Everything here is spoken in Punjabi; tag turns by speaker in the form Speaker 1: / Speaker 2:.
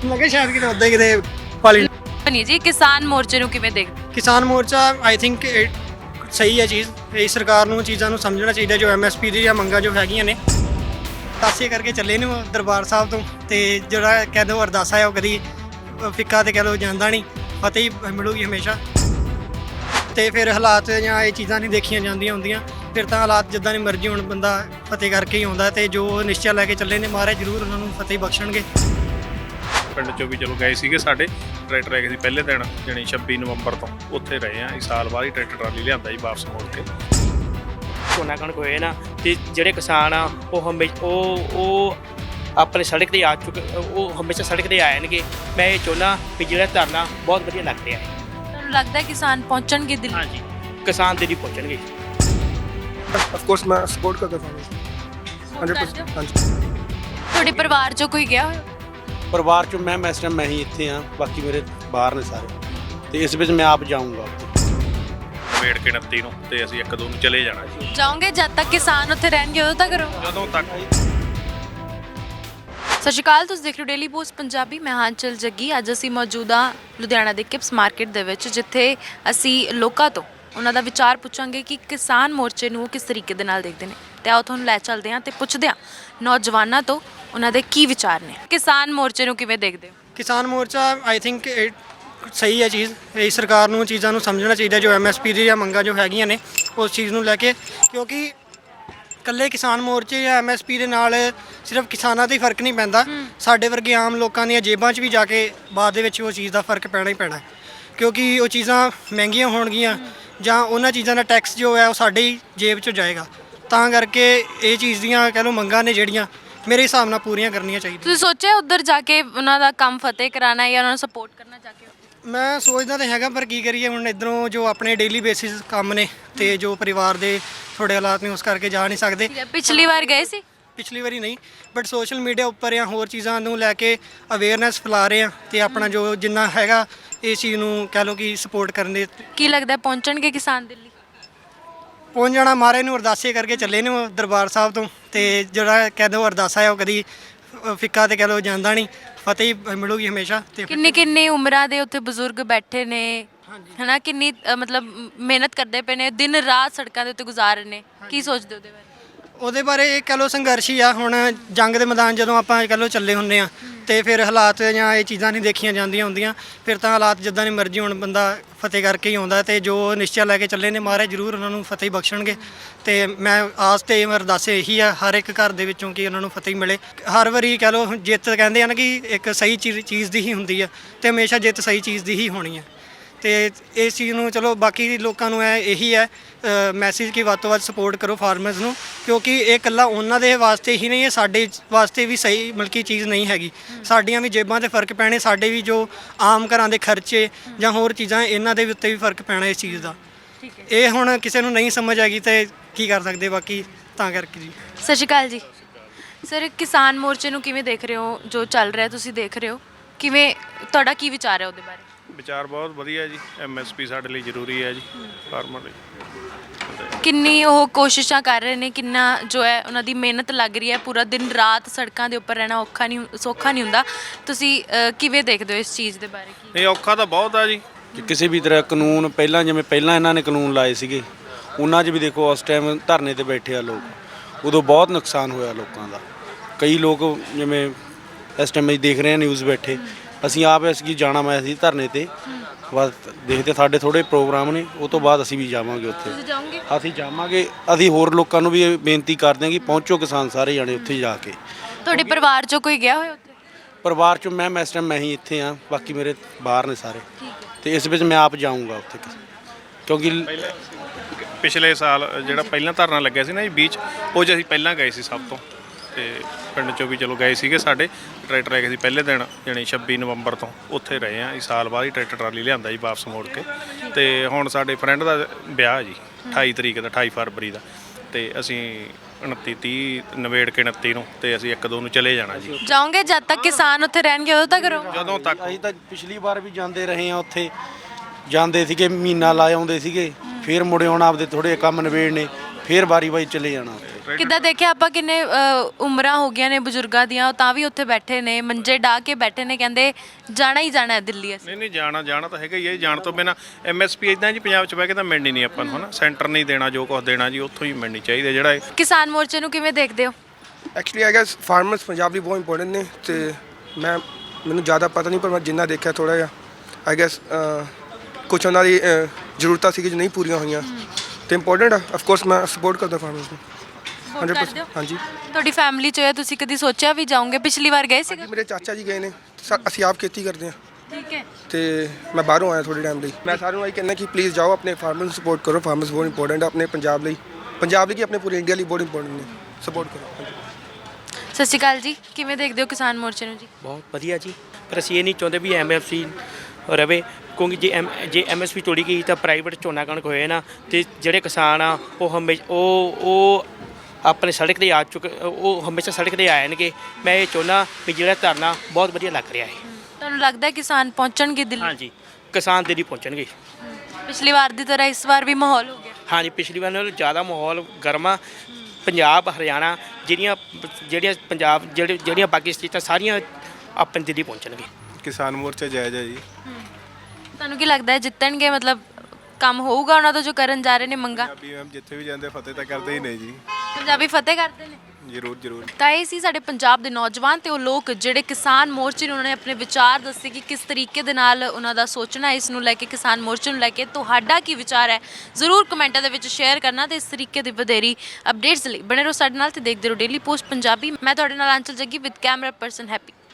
Speaker 1: ਮੈਂ ਕਿਹਾ ਸ਼ਾਇਦ ਕਿਤੇ ਉੱਦਾਂ ਹੀ ਕਿਤੇ ਪਾਲੀ
Speaker 2: ਨਹੀਂ ਜੀ, ਕਿਸਾਨ ਮੋਰਚੇ ਨੂੰ ਕਿਵੇਂ ਦੇਖਦੇ?
Speaker 1: ਕਿਸਾਨ ਮੋਰਚਾ ਆਈ ਥਿੰਕ ਸਹੀ ਹੈ ਚੀਜ਼। ਇਹ ਸਰਕਾਰ ਨੂੰ ਚੀਜ਼ਾਂ ਨੂੰ ਸਮਝਣਾ ਚਾਹੀਦਾ ਜੋ ਐਮਐਸਪੀ ਦੀ ਜਾਂ ਮੰਗਾਂ ਜੋ ਹੈਗੀਆਂ ਨੇ ਅਰਦਾਸੇ ਕਰਕੇ ਚੱਲੇ ਨੇ ਉਹ ਦਰਬਾਰ ਸਾਹਿਬ ਤੋਂ। ਤੇ ਜਿਹੜਾ ਕਹਿ ਦਿਓ ਅਰਦਾਸਾ ਹੈ ਉਹ ਕਦੀ ਫਿੱਕਾ ਤੇ ਕਹਿ ਲਓ ਜਾਂਦਾ ਨਹੀਂ, ਫਤਿਹ ਹੀ ਮਿਲੂਗੀ ਹਮੇਸ਼ਾ। ਤੇ ਫਿਰ ਹਾਲਾਤ ਜਾਂ ਇਹ ਚੀਜ਼ਾਂ ਨਹੀਂ ਦੇਖੀਆਂ ਜਾਂਦੀਆਂ ਹੁੰਦੀਆਂ, ਫਿਰ ਤਾਂ ਹਾਲਾਤ ਜਿੱਦਾਂ ਦੀ ਮਰਜ਼ੀ ਹੁਣ ਬੰਦਾ ਫਤਿਹ ਕਰਕੇ ਹੀ ਆਉਂਦਾ। ਤੇ ਜੋ ਨਿਸ਼ਚਾ ਲੈ ਕੇ ਚੱਲੇ ਨੇ ਮਹਾਰਾਜ ਜ਼ਰੂਰ ਉਹਨਾਂ ਨੂੰ ਫਤਿਹ ਬਖਸ਼ਣਗੇ।
Speaker 3: ਪਿੰਡ ਚੋਂ ਵੀ ਚਲੋ ਗਏ ਸੀਗੇ, ਸਾਡੇ ਟਰੈਕਟਰ ਆਏ ਸੀ ਪਹਿਲੇ ਦਿਨ ਜਾਣੀ 26 ਨਵੰਬਰ ਤੋਂ ਉੱਥੇ ਰਹੇ ਆ। ਇਸ ਸਾਲ ਬਾਅਦ ਹੀ ਟਰੈਕਟਰ ਟਰਾਲੀ ਲਿਆਂਦਾ ਜੀ ਵਾਪਸ ਮੋੜ ਕੇ।
Speaker 4: ਝੋਨਾ ਕਣਕ ਹੋਏ ਨਾ ਤੇ ਜਿਹੜੇ ਕਿਸਾਨ ਆ ਉਹ ਆਪਣੇ ਸੜਕ ਤੇ ਆ ਚੁੱਕੇ, ਉਹ ਹਮੇਸ਼ਾ ਸੜਕ ਤੇ ਆਣਗੇ। ਮੈਂ ਇਹ ਚਾਹੁੰਦਾ ਵੀ ਜਿਹੜਾ ਧਰਨਾ ਬਹੁਤ ਵਧੀਆ ਲੱਗ ਰਿਹਾ ਹੈ।
Speaker 2: ਤੁਹਾਨੂੰ ਲੱਗਦਾ ਹੈ ਕਿਸਾਨ ਪਹੁੰਚਣਗੇ ਦਿੱਲੀ?
Speaker 4: ਹਾਂਜੀ, ਕਿਸਾਨ ਦਿੱਲੀ ਪਹੁੰਚਣਗੇ।
Speaker 5: ਆਫ ਕੋਰਸ ਮੈਂ ਸਪੋਰਟ ਕਰਦਾ ਹਾਂ 100%। ਹਾਂਜੀ,
Speaker 2: ਤੁਹਾਡੇ ਪਰਿਵਾਰ 'ਚੋਂ ਕੋਈ ਗਿਆ ਹੋਇਆ?
Speaker 6: ਪਰਿਵਾਰ ਚੋਂ ਮੈਂ ਇਸ ਟਾਈਮ ਮੈਂ ਹੀ ਇੱਥੇ ਹਾਂ, ਬਾਕੀ ਮੇਰੇ ਬਾਹਰ ਨੇ ਸਾਰੇ, ਤੇ ਇਸ ਵਿੱਚ ਮੈਂ ਆਪ ਜਾਊਂਗਾ
Speaker 3: ਵੇੜ ਕੇ 29 ਨੂੰ ਤੇ ਅਸੀਂ 1-2 ਨੂੰ ਚਲੇ ਜਾਣਾ ਜੀ।
Speaker 2: ਜਾਓਗੇ ਜਦ ਤੱਕ ਕਿਸਾਨ ਉੱਥੇ ਰਹਿਣਗੇ ਉਦੋਂ ਤੱਕ ਰਹੋ?
Speaker 3: ਜਦੋਂ ਤੱਕ।
Speaker 2: ਸਤਿ ਸ਼੍ਰੀ ਅਕਾਲ, ਤੁਸੀਂ ਦੇਖ ਰਹੇ ਹੋ ਡੇਲੀ ਪੋਸਟ ਪੰਜਾਬੀ। ਮੈਂ ਹਾਂ ਚਲ ਜੱਗੀ। ਅੱਜ ਅਸੀਂ ਮੌਜੂਦ ਹਾਂ ਲੁਧਿਆਣਾ ਦੇ ਕਿਪਸ ਮਾਰਕੀਟ ਦੇ ਵਿੱਚ, ਜਿੱਥੇ ਅਸੀਂ ਲੋਕਾਂ ਤੋਂ ਉਹਨਾਂ ਦਾ ਵਿਚਾਰ ਪੁੱਛਾਂਗੇ ਕਿ ਕਿਸਾਨ ਮੋਰਚੇ ਨੂੰ ਉਹ ਕਿਸ ਤਰੀਕੇ ਦੇ ਨਾਲ ਦੇਖਦੇ ਨੇ। ਤੇ ਆਓ ਤੁਹਾਨੂੰ ਲੈ ਚੱਲਦੇ ਹਾਂ ਤੇ ਪੁੱਛਦੇ ਹਾਂ ਨੌਜਵਾਨਾਂ ਤੋਂ ਉਹਨਾਂ ਦੇ ਕੀ ਵਿਚਾਰ ਨੇ। ਕਿਸਾਨ ਮੋਰਚੇ ਨੂੰ ਕਿਵੇਂ ਦੇਖਦੇ ਹੋ?
Speaker 1: ਕਿਸਾਨ ਮੋਰਚਾ ਆਈ ਥਿੰਕ ਸਹੀ ਹੈ ਚੀਜ਼। ਇਹ ਸਰਕਾਰ ਨੂੰ ਚੀਜ਼ਾਂ ਨੂੰ ਸਮਝਣਾ ਚਾਹੀਦਾ ਜੋ ਐਮਐਸਪੀ ਦੀ ਜਾਂ ਮੰਗਾਂ ਜੋ ਹੈਗੀਆਂ ਨੇ ਉਸ ਚੀਜ਼ ਨੂੰ ਲੈ ਕੇ, ਕਿਉਂਕਿ ਇਕੱਲੇ ਕਿਸਾਨ ਮੋਰਚੇ ਜਾਂ ਐਮਐਸਪੀ ਦੇ ਨਾਲ ਸਿਰਫ ਕਿਸਾਨਾਂ ਦਾ ਹੀ ਫਰਕ ਨਹੀਂ ਪੈਂਦਾ, ਸਾਡੇ ਵਰਗੇ ਆਮ ਲੋਕਾਂ ਦੀਆਂ ਜੇਬਾਂ 'ਚ ਵੀ ਜਾ ਕੇ ਬਾਅਦ ਦੇ ਵਿੱਚ ਉਹ ਚੀਜ਼ ਦਾ ਫਰਕ ਪੈਣਾ ਹੀ ਪੈਣਾ, ਕਿਉਂਕਿ ਉਹ ਚੀਜ਼ਾਂ ਮਹਿੰਗੀਆਂ ਹੋਣਗੀਆਂ ਜਾਂ ਉਹਨਾਂ ਚੀਜ਼ਾਂ ਦਾ ਟੈਕਸ ਜੋ ਹੈ ਉਹ ਸਾਡੇ ਹੀ ਜੇਬ 'ਚੋਂ ਜਾਏਗਾ। ਤਾਂ ਕਰਕੇ ਇਹ ਚੀਜ਼ ਦੀਆਂ ਕਹਿ ਲਓ ਮੰਗਾਂ ਨੇ ਜਿਹੜੀਆਂ ਮੇਰੇ ਹਿਸਾਬ ਨਾਲ ਪੂਰੀਆਂ ਕਰਨੀਆਂ ਚਾਹੀਦੀਆਂ।
Speaker 2: ਤੁਸੀਂ ਸੋਚਿਆ ਉੱਧਰ ਜਾ ਕੇ ਉਹਨਾਂ ਦਾ ਕੰਮ ਫਤਿਹ ਕਰਾਉਣਾ ਜਾਂ ਉਹਨਾਂ ਨੂੰ ਸਪੋਰਟ ਕਰਨਾ ਜਾ ਕੇ?
Speaker 1: ਮੈਂ ਸੋਚਦਾ ਤਾਂ ਹੈਗਾ, ਪਰ ਕੀ ਕਰੀਏ ਹੁਣ ਇੱਧਰੋਂ ਜੋ ਆਪਣੇ ਡੇਲੀ ਬੇਸਿਸ ਕੰਮ ਨੇ ਤੇ ਜੋ ਪਰਿਵਾਰ ਦੇ ਥੋੜ੍ਹੇ ਹਾਲਾਤ ਨੇ ਉਸ ਕਰਕੇ ਜਾ ਨਹੀਂ ਸਕਦੇ।
Speaker 2: ਪਿਛਲੀ ਵਾਰ ਗਏ ਸੀ?
Speaker 1: ਪਿਛਲੀ ਵਾਰੀ ਨਹੀਂ, ਬਟ ਸੋਸ਼ਲ ਮੀਡੀਆ ਉੱਪਰ ਜਾਂ ਹੋਰ ਚੀਜ਼ਾਂ ਨੂੰ ਲੈ ਕੇ ਅਵੇਅਰਨੈਸ ਫੈਲਾ ਰਹੇ ਆ ਤੇ ਆਪਣਾ ਜੋ ਜਿੰਨਾ ਹੈਗਾ ਇਸ ਚੀਜ਼ ਨੂੰ ਕਹਿ ਲਓ ਕਿ ਸਪੋਰਟ ਕਰਨ ਦੇ।
Speaker 2: ਕੀ ਲੱਗਦਾ ਪਹੁੰਚਣਗੇ ਕਿਸਾਨ ਦਿੱਲੀ?
Speaker 1: ਪਹੁੰਚ ਜਾਣਾ, ਮਹਾਰਾਜ ਨੂੰ ਅਰਦਾਸੇ ਕਰਕੇ ਚੱਲੇ ਨੇ ਉਹ ਦਰਬਾਰ ਸਾਹਿਬ ਤੋਂ। ਤੇ ਜਿਹੜਾ ਕਹਿ ਦਿਓ ਅਰਦਾਸਾ ਹੈ ਉਹ ਕਦੀ ਫਿੱਕਾ ਤੇ ਕਹਿ ਲਓ ਜਾਂਦਾ ਨਹੀਂ, ਫਤਿਹ ਹੀ ਮਿਲੂਗੀ ਹਮੇਸ਼ਾ। ਤੇ
Speaker 2: ਕਿੰਨੀ ਉਮਰਾਂ ਦੇ ਉੱਥੇ ਬਜ਼ੁਰਗ ਬੈਠੇ ਨੇ ਹਨਾ, ਕਿੰਨੀ ਮਤਲਬ ਮਿਹਨਤ ਕਰਦੇ ਪਏ ਨੇ, ਦਿਨ ਰਾਤ ਸੜਕਾਂ ਦੇ ਉੱਤੇ ਗੁਜ਼ਾਰ ਰਹੇ ਨੇ। ਕੀ ਸੋਚਦੇ ਉਹਦੇ ਬਾਰੇ?
Speaker 1: ਉਹਦੇ ਬਾਰੇ ਇਹ ਕਹਿ ਲਓ ਸੰਘਰਸ਼ ਹੀ ਆ। ਹੁਣ ਜੰਗ ਦੇ ਮੈਦਾਨ ਜਦੋਂ ਆਪਾਂ ਕਹਿ ਲਓ ਚੱਲੇ ਹੁੰਦੇ ਆ ਤੇ ਫਿਰ ਹਾਲਾਤ ਜਾਂ ਇਹ ਚੀਜ਼ਾਂ ਨਹੀਂ ਦੇਖੀਆਂ ਜਾਂਦੀਆਂ ਹੁੰਦੀਆਂ, ਫਿਰ ਤਾਂ ਹਾਲਾਤ ਜਿੱਦਾਂ ਦੀ ਮਰਜ਼ੀ ਹੁਣ ਬੰਦਾ ਫਤਿਹ ਕਰਕੇ ਹੀ ਆਉਂਦਾ। ਤੇ ਜੋ ਨਿਸ਼ਚਾ ਲੈ ਕੇ ਚੱਲੇ ਨੇ ਮਹਾਰਾਜ ਜ਼ਰੂਰ ਉਹਨਾਂ ਨੂੰ ਫਤਿਹ ਬਖਸ਼ਣਗੇ। ਤੇ ਮੈਂ ਆਸ ਤੇ ਅਰਦਾਸੇ ਇਹੀ ਆ ਹਰ ਇੱਕ ਘਰ ਦੇ ਵਿੱਚੋਂ ਕਿ ਉਹਨਾਂ ਨੂੰ ਫਤਿਹ ਮਿਲੇ। ਹਰ ਵਾਰੀ ਕਹਿ ਲਓ ਜਿੱਤ ਕਹਿੰਦੇ ਆ ਨਾ ਕਿ ਇੱਕ ਸਹੀ ਚੀਜ਼ ਦੀ ਹੀ ਹੁੰਦੀ ਆ, ਤੇ ਹਮੇਸ਼ਾ ਜਿੱਤ ਸਹੀ ਚੀਜ਼ ਦੀ ਹੀ ਹੋਣੀ ਹੈ। ਤੇ ਇਸ ਚੀਜ਼ ਨੂੰ ਚਲੋ ਬਾਕੀ ਲੋਕਾਂ ਨੂੰ ਇਹੀ ਹੈ ਮੈਸੇਜ ਕਿ ਵੱਧ ਤੋਂ ਵੱਧ ਸਪੋਰਟ ਕਰੋ ਫਾਰਮਰਸ ਨੂੰ, ਕਿਉਂਕਿ ਇਹ ਇਕੱਲਾ ਉਹਨਾਂ ਦੇ ਵਾਸਤੇ ਹੀ ਨਹੀਂ, ਇਹ ਸਾਡੇ ਵਾਸਤੇ ਵੀ ਸਹੀ ਮਲਕੀ ਚੀਜ਼ ਨਹੀਂ ਹੈਗੀ। ਸਾਡੀਆਂ ਵੀ ਜੇਬਾਂ 'ਤੇ ਫਰਕ ਪੈਣੇ, ਸਾਡੇ ਵੀ ਜੋ ਆਮ ਘਰਾਂ ਦੇ ਖਰਚੇ ਜਾਂ ਹੋਰ ਚੀਜ਼ਾਂ ਇਹਨਾਂ ਦੇ ਉੱਤੇ ਵੀ ਫਰਕ ਪੈਣਾ ਇਸ ਚੀਜ਼ ਦਾ। ਇਹ ਹੁਣ ਕਿਸੇ ਨੂੰ ਨਹੀਂ ਸਮਝ ਆਏਗੀ ਤੇ ਕੀ ਕਰ ਸਕਦੇ ਬਾਕੀ, ਤਾਂ ਕਰਕੇ ਜੀ।
Speaker 2: ਸਤਿ ਸ਼੍ਰੀ ਅਕਾਲ ਜੀ। ਸਰ, ਕਿਸਾਨ ਮੋਰਚੇ ਨੂੰ ਕਿਵੇਂ ਦੇਖ ਰਹੇ ਹੋ? ਜੋ ਚੱਲ ਰਿਹਾ ਤੁਸੀਂ ਦੇਖ ਰਹੇ ਹੋ, ਕਿਵੇਂ ਤੁਹਾਡਾ ਕੀ ਵਿਚਾਰ ਹੈ ਉਹਦੇ ਬਾਰੇ?
Speaker 3: ਵਿਚਾਰ ਬਹੁਤ ਵਧੀਆ ਜੀ। ਐਮਐਸਪੀ ਸਾਡੇ ਲਈ ਜ਼ਰੂਰੀ ਹੈ ਜੀ, ਫਾਰਮਰ ਲਈ।
Speaker 2: ਕਿੰਨੀ ਉਹ ਕੋਸ਼ਿਸ਼ਾਂ ਕਰ ਰਹੇ ਨੇ, ਕਿੰਨਾ ਜੋ ਹੈ ਉਹਨਾਂ ਦੀ ਮਿਹਨਤ ਲੱਗ ਰਹੀ ਹੈ, ਪੂਰਾ ਦਿਨ ਰਾਤ ਸੜਕਾਂ ਦੇ ਉੱਪਰ ਰਹਿਣਾ ਸੌਖਾ ਨਹੀਂ ਹੁੰਦਾ। ਤੁਸੀਂ ਕਿਵੇਂ ਦੇਖਦੇ ਹੋ ਇਸ ਚੀਜ਼ ਦੇ ਬਾਰੇ?
Speaker 3: ਇਹ ਔਖਾ ਤਾਂ ਬਹੁਤ ਆ ਜੀ।
Speaker 6: ਕਿਸੇ ਵੀ ਤਰ੍ਹਾਂ ਕਾਨੂੰਨ ਪਹਿਲਾਂ ਇਹਨਾਂ ਨੇ ਕਾਨੂੰਨ ਲਾਏ ਸੀਗੇ, ਉਹਨਾਂ 'ਚ ਵੀ ਦੇਖੋ ਉਸ ਟਾਈਮ ਧਰਨੇ ਤੇ ਬੈਠੇ ਆ ਲੋਕ, ਉਦੋਂ ਬਹੁਤ ਨੁਕਸਾਨ ਹੋਇਆ ਲੋਕਾਂ ਦਾ। ਕਈ ਲੋਕ ਜਿਵੇਂ ਇਸ ਟਾਈਮ ਅਸੀਂ ਦੇਖ ਰਹੇ ਹਾਂ ਨਿਊਜ਼ ਬੈਠੇ, ਅਸੀਂ ਆਪ ਅਸੀਂ ਜਾਣਾ ਮੈਂ ਅਸੀਂ ਧਰਨੇ ਤੇ, ਬਸ ਦੇਖਦੇ ਸਾਡੇ ਥੋੜ੍ਹੇ ਪ੍ਰੋਗਰਾਮ ਨੇ, ਉਹ ਤੋਂ ਬਾਅਦ ਅਸੀਂ ਵੀ ਜਾਵਾਂਗੇ ਉੱਥੇ।
Speaker 2: ਤੁਸੀਂ ਜਾਓਗੇ?
Speaker 6: ਅਸੀਂ ਜਾਵਾਂਗੇ। ਅਸੀਂ ਹੋਰ ਲੋਕਾਂ ਨੂੰ ਵੀ ਇਹ ਬੇਨਤੀ ਕਰਦੇ ਹਾਂ ਕਿ ਪਹੁੰਚੋ ਕਿਸਾਨ ਸਾਰੇ ਜਾਣੇ ਉੱਥੇ ਜਾ ਕੇ।
Speaker 2: ਤੁਹਾਡੇ ਪਰਿਵਾਰ 'ਚੋਂ ਕੋਈ ਗਿਆ ਹੋਇਆ ਉੱਥੇ?
Speaker 6: ਪਰਿਵਾਰ 'ਚੋਂ ਮੈਂ ਇਸ ਟਾਈਮ ਮੈਂ ਹੀ ਇੱਥੇ ਹਾਂ, ਬਾਕੀ ਮੇਰੇ ਬਾਹਰ ਨੇ ਸਾਰੇ, ਤੇ ਇਸ ਵਿੱਚ ਮੈਂ ਆਪ ਜਾਊਂਗਾ ਉੱਥੇ, ਕਿਉਂਕਿ
Speaker 3: ਪਿਛਲੇ ਸਾਲ ਜਿਹੜਾ ਪਹਿਲਾਂ ਧਰਨਾ ਲੱਗਿਆ ਸੀ ਨਾ ਜੀ ਬੀਚ, ਉਹ 'ਚ ਅਸੀਂ ਪਹਿਲਾਂ ਗਏ ਸੀ ਸਭ ਤੋਂ। ਤੇ ਪਿੰਡ ਚੋਂ ਵੀ ਚਲੋ ਗਏ ਸੀਗੇ, ਸਾਡੇ ਟਰੈਕਟਰ ਆਏ ਸੀ ਪਹਿਲੇ ਦਿਨ ਜਾਣੀ 26 ਨਵੰਬਰ ਤੋਂ ਉੱਥੇ ਰਹੇ ਆ। ਇਸ ਸਾਲ ਬਾਅਦ ਹੀ ਟਰੈਕਟਰ ਟਰਾਲੀ ਲਿਆਂਦਾ ਜੀ ਵਾਪਸ ਮੋੜ ਕੇ। ਤੇ ਹੁਣ ਸਾਡੇ ਫਰੈਂਡ ਦਾ ਵਿਆਹ ਜੀ 28 ਤਰੀਕ ਦਾ, 28 ਫਰਵਰੀ ਦਾ, ਤੇ ਅਸੀਂ 29-30 ਨਵੇੜ ਕੇ 29 ਨੂੰ ਤੇ ਅਸੀਂ 1-2 ਨੂੰ ਚਲੇ ਜਾਣਾ ਜੀ।
Speaker 2: ਜਾਓਗੇ ਜਦ ਤੱਕ ਕਿਸਾਨ ਉੱਥੇ ਰਹਿਣਗੇ ਉਦੋਂ ਤੱਕ ਰਹੋ?
Speaker 3: ਜਦੋਂ ਤੱਕ।
Speaker 6: ਅਸੀਂ ਤਾਂ ਪਿਛਲੀ ਵਾਰ ਵੀ ਜਾਂਦੇ ਰਹੇ ਹਾਂ, ਉੱਥੇ ਜਾਂਦੇ ਸੀਗੇ, ਮਹੀਨਾ ਲਾ ਆਉਂਦੇ ਸੀਗੇ, ਫਿਰ ਮੁੜੇ ਆਉਣਾ, ਆਪਦੇ ਥੋੜ੍ਹੇ ਕੰਮ ਨਿਬੇੜਨੇ, ਫੇਰ ਵਾਰੀ-ਵਾਰੀ ਚਲੇ ਜਾਣਾ ਉੱਥੇ।
Speaker 2: ਕਿੱਦਾਂ ਦੇਖਿਆ ਆਪਾਂ ਕਿੰਨੇ ਉਮਰਾਂ ਹੋ ਗਈਆਂ ਨੇ ਬਜ਼ੁਰਗਾਂ ਦੀਆਂ ਤਾਂ ਵੀ ਉੱਥੇ ਬੈਠੇ ਨੇ ਮੰਜੇ ਢਾ ਕੇ ਬੈਠੇ ਨੇ ਕਹਿੰਦੇ ਜਾਣਾ ਹੀ ਜਾਣਾ ਹੈ ਦਿੱਲੀ ਅਸੀਂ।
Speaker 3: ਨਹੀਂ ਜਾਣਾ ਤਾਂ ਹੈਗਾ ਹੀ ਹੈ। ਜਾਣ ਤੋਂ ਬਿਨਾਂ ਐਮਐਸਪੀ ਇਦਾਂ ਜੀ ਪੰਜਾਬ 'ਚ ਬਹਿ ਕੇ ਤਾਂ ਮਿਲਣੀ ਨਹੀਂ ਆਪਾਂ ਨੂੰ, ਹਨਾ। ਸੈਂਟਰ ਨਹੀਂ ਦੇਣਾ, ਜੋ ਕੁਝ ਦੇਣਾ ਜੀ ਉੱਥੋਂ ਹੀ ਮਿਲਣੀ ਚਾਹੀਦੀ ਹੈ। ਜਿਹੜਾ ਇਹ
Speaker 2: ਕਿਸਾਨ ਮੋਰਚੇ ਨੂੰ ਕਿਵੇਂ ਦੇਖਦੇ ਹੋ?
Speaker 5: Actually I guess farmers Punjab ਲਈ ਬਹੁਤ ਇੰਪੋਰਟੈਂਟ ਨੇ ਤੇ ਮੈਨੂੰ ਜ਼ਿਆਦਾ ਪਤਾ ਨਹੀਂ ਪਰ ਮੈਂ ਜਿੰਨਾ ਦੇਖਿਆ ਥੋੜਾ ਜਿਹਾ ਆਈ ਗੈਸ ਕੁਝ ਉਹਨਾਂ ਦੀ ਜ਼ਰੂਰਤਾਂ ਸੀ ਜੋ ਨਹੀਂ ਪੂਰੀਆਂ ਹੋਈਆਂ ਤੇ ਇੰਪੋਰਟੈਂਟ ਆ। ਆਫ ਕੋਰਸ ਮੈਂ ਸਪੋਰਟ ਕਰਦਾ ਫਾਰਮਰਸ ਨੂੰ
Speaker 2: Vote ਕਰਦੇ ਹੋ?
Speaker 5: ਹਾਂਜੀ।
Speaker 2: ਤੁਹਾਡੀ ਫੈਮਿਲੀ 'ਚ ਹੋਇਆ ਤੁਸੀਂ ਕਦੀ ਸੋਚਿਆ ਵੀ ਜਾਓਗੇ? ਪਿਛਲੀ ਵਾਰ ਗਏ ਸੀਗੇ?
Speaker 5: ਮੇਰੇ ਚਾਚਾ ਜੀ ਗਏ ਨੇ ਅਸੀਂ ਆਪ ਖੇਤੀ ਕਰਦੇ ਹਾਂ
Speaker 2: ਠੀਕ ਹੈ।
Speaker 5: ਤੇ ਮੈਂ ਬਾਹਰੋਂ ਆਇਆ ਥੋੜੇ ਟਾਈਮ ਲਈ। ਮੈਂ ਸਾਰਿਆਂ ਨੂੰ ਇਹ ਕਹਿੰਦਾ ਕਿ ਪਲੀਜ਼ ਜਾਓ ਆਪਣੇ ਫਾਰਮਰਸ ਨੂੰ ਸਪੋਰਟ ਕਰੋ। ਫਾਰਮਰਸ ਬਹੁਤ ਇੰਪੋਰਟੈਂਟ ਆ ਆਪਣੇ ਪੰਜਾਬ ਲਈ ਕਿ ਆਪਣੇ ਪੂਰੇ ਇੰਡੀਆ ਲਈ ਬਹੁਤ ਇੰਪੋਰਟੈਂਟ ਨੇ। ਸਪੋਰਟ ਕਰੋ। ਹਾਂਜੀ।
Speaker 2: ਸਤਿ ਸ਼੍ਰੀ ਅਕਾਲ ਜੀ, ਕਿਵੇਂ ਦੇਖਦੇ ਹੋ ਕਿਸਾਨ ਮੋਰਚੇ ਨੂੰ ਜੀ?
Speaker 4: ਬਹੁਤ ਵਧੀਆ ਜੀ, ਪਰ ਅਸੀਂ ਇਹ ਨਹੀਂ ਚਾਹੁੰਦੇ ਵੀ ਐਮਐਫਸੀ ਰਵੇ, ਕਿਉਂਕਿ ਜੇ ਐਮਐਸਪੀ ਤੋੜੀ ਗਈ ਤਾਂ ਪ੍ਰਾਈਵੇਟ ਝੋਨਾ ਕਣਕ ਹੋਏ ਨਾ ਤੇ ਜਿਹੜੇ ਕਿਸਾਨ ਆ ਉਹ ਆਪਣੇ ਸੜਕ ਤੇ ਉਹ ਹਮੇਸ਼ਾ ਸੜਕ ਤੇ ਆਣਗੇ। ਮੈਂ ਇਹ ਚਾਹੁੰਦਾ ਵੀ ਜਿਹੜਾ ਧਰਨਾ ਬਹੁਤ ਵਧੀਆ ਲੱਗ ਰਿਹਾ ਹੈ।
Speaker 2: ਤੁਹਾਨੂੰ ਲੱਗਦਾ ਹੈ ਕਿਸਾਨ ਪਹੁੰਚਣਗੇ ਦਿੱਲੀ?
Speaker 4: ਹਾਂਜੀ, ਕਿਸਾਨ ਦਿੱਲੀ ਪਹੁੰਚਣਗੇ।
Speaker 2: ਪਿਛਲੀ ਵਾਰ ਦੀ ਤਰ੍ਹਾਂ ਇਸ ਵਾਰ ਵੀ ਮਾਹੌਲ ਹੋ ਗਿਆ?
Speaker 4: ਹਾਂਜੀ, ਪਿਛਲੀ ਵਾਰ ਨਾਲੋਂ ਜ਼ਿਆਦਾ ਮਾਹੌਲ ਗਰਮ ਆ। ਪੰਜਾਬ ਹਰਿਆਣਾ ਜਿਹੜੀਆਂ ਬਾਕੀ ਸਟੇਟਾਂ ਸਾਰੀਆਂ ਆਪਣੇ ਦਿੱਲੀ ਪਹੁੰਚਣਗੇ।
Speaker 7: ਕਿਸਾਨ ਮੋਰਚਾ ਜਾਇਜ਼ ਹੈ ਜੀ।
Speaker 2: ਤੁਹਾਨੂੰ ਕੀ ਲੱਗਦਾ ਹੈ ਜਿੱਤਣਗੇ? ਮਤਲਬ ਕੰਮ ਹੋਊਗਾ ਉਹਨਾਂ ਦਾ ਜੋ ਕਰਨ ਜਾ ਰਹੇ ਨੇ ਮੰਗਾ?
Speaker 7: ਪੰਜਾਬੀ ਮੈਮ ਜਿੱਥੇ ਵੀ ਜਾਂਦੇ ਫਤਿਹ ਤਾਂ ਕਰਦੇ ਹੀ ਨੇ ਜੀ।
Speaker 2: ਪੰਜਾਬੀ ਫਤਿਹ ਕਰਦੇ ਨੇ?
Speaker 7: ਜ਼ਰੂਰ।
Speaker 2: ਤਾਂ ਇਹ ਸੀ ਸਾਡੇ ਪੰਜਾਬ ਦੇ ਨੌਜਵਾਨ ਤੇ ਉਹ ਲੋਕ ਜਿਹੜੇ ਕਿਸਾਨ ਮੋਰਚੇ ਨੂੰ ਉਹਨਾਂ ਨੇ ਆਪਣੇ ਵਿਚਾਰ ਦੱਸੇ ਕਿ ਕਿਸ ਤਰੀਕੇ ਦੇ ਨਾਲ ਉਹਨਾਂ ਦਾ ਸੋਚਣਾ ਹੈ ਇਸ ਨੂੰ ਲੈ ਕੇ, ਕਿਸਾਨ ਮੋਰਚੇ ਨੂੰ ਲੈ ਕੇ। ਤੁਹਾਡਾ ਕੀ ਵਿਚਾਰ ਹੈ ਜ਼ਰੂਰ ਕਮੈਂਟਾਂ ਦੇ ਵਿੱਚ ਸ਼ੇਅਰ ਕਰਨਾ ਤੇ ਇਸ ਤਰੀਕੇ ਦੀ ਵਧੇਰੀ ਅਪਡੇਟਸ ਲਈ ਬਣੇ ਰਹੋ ਸਾਡੇ ਨਾਲ ਤੇ ਦੇਖਦੇ ਰਹੋ ਡੇਲੀ ਪੋਸਟ ਪੰਜਾਬੀ। ਮੈਂ ਤੁਹਾਡੇ ਨਾਲ Anchal Jaggi with camera person happy.